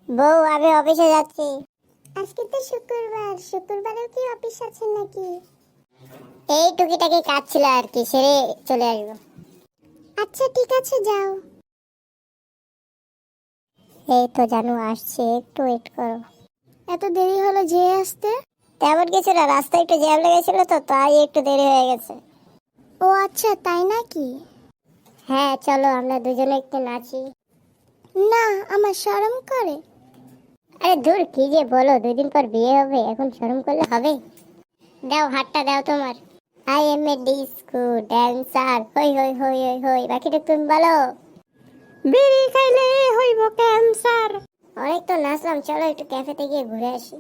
বউ, আমি অফিসে যাচ্ছি। আজকে তো শুক্রবার, শুক্রবারেও কি অফিস আছে নাকি? এই টুকিটাকি কাজ ছিল আর কি, সেরে চলে আসবো। আচ্ছা ঠিক আছে, যাও। এই তো জানু আসছে, একটু ওয়েট করো। এত দেরি হলো যে আসতে? তেমন কিছু না, রাস্তায় একটু জ্যাম লেগেছিল তো, তাই একটু দেরি হয়ে গেছে। ও আচ্ছা, তাই নাকি? হ্যাঁ চলো আমরা দুজনে একটু নাচি। না, আমার শরম করে। আরে দূর, কি যে বলো, 2 দিন পর বিয়ে হবে, এখন শরম করলে হবে? দাও হাতটা দাও তোমার। I am a disco dancer, হই হই হই হই হই। বাকিটা তুমি বলো। বিড়ি খাইলে হইব ক্যান্সার। অনেক তো নাচলাম, চলো একটু ক্যাফেতে গিয়ে ঘুরে আসি।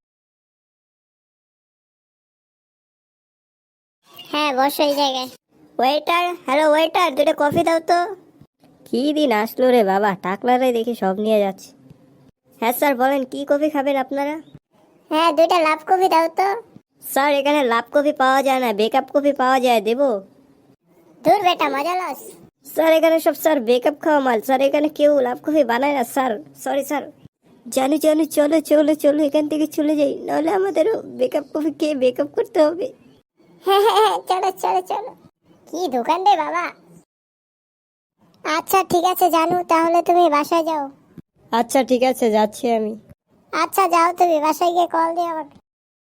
হ্যাঁ বসো এই জায়গায়। ওয়েটার, হ্যালো ওয়েটার, 2টা কফি দাও তো। কি দিন আসলো রে বাবা, টাকলারাই দেখি সব নিয়ে যাচ্ছে। হ্যাঁ স্যার বলেন, কি কফি খাবেন আপনারা? হ্যাঁ 2টা লাভ কফি দাও তো। স্যার এখানে লাভ কফি পাওয়া যায় না, বেকআপ কফি পাওয়া যায়, দেবো? দূর বেটা, মজা লস। স্যার এখানে সব স্যার বেকআপ খাওয়া মাল, স্যার এখানে কেউ লাভ কফি বানায় না স্যার। Sorry sir. জানু জানু, চলো চলো চলো, এখান থেকে চলে যাই, নাহলে আমাদেরও বেকআপ কফি খেয়ে বেকআপ করতে হবে। হ্যাঁ হ্যাঁ হ্যাঁ, চলো চলো চলো। কি দোকান রে বাবা। আচ্ছা ঠিক আছে জানু, তাহলে তুমি বাসায় যাও। আচ্ছা ঠিক আছে, যাচ্ছি আমি। আচ্ছা যাও, তুমি বাসায় গিয়ে কল দিও আমাকে।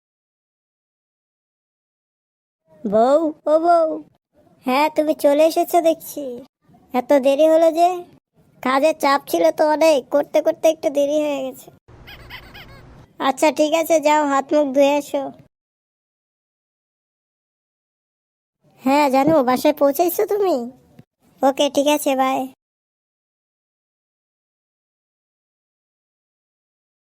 বউ, ও বউ। হ্যাঁ তুমি চলে এসেছো দেখছি। এত দেরি হলো যে? কাজের চাপ ছিল তো অনেক, করতে করতে একটু দেরি হয়ে গেছে। আচ্ছা ঠিক আছে, যাও হাত মুখ ধুয়ে এসো। হ্যাঁ জানো, বাসায় পৌঁছাইছো তুমি? ওকে ঠিক আছে, বাই।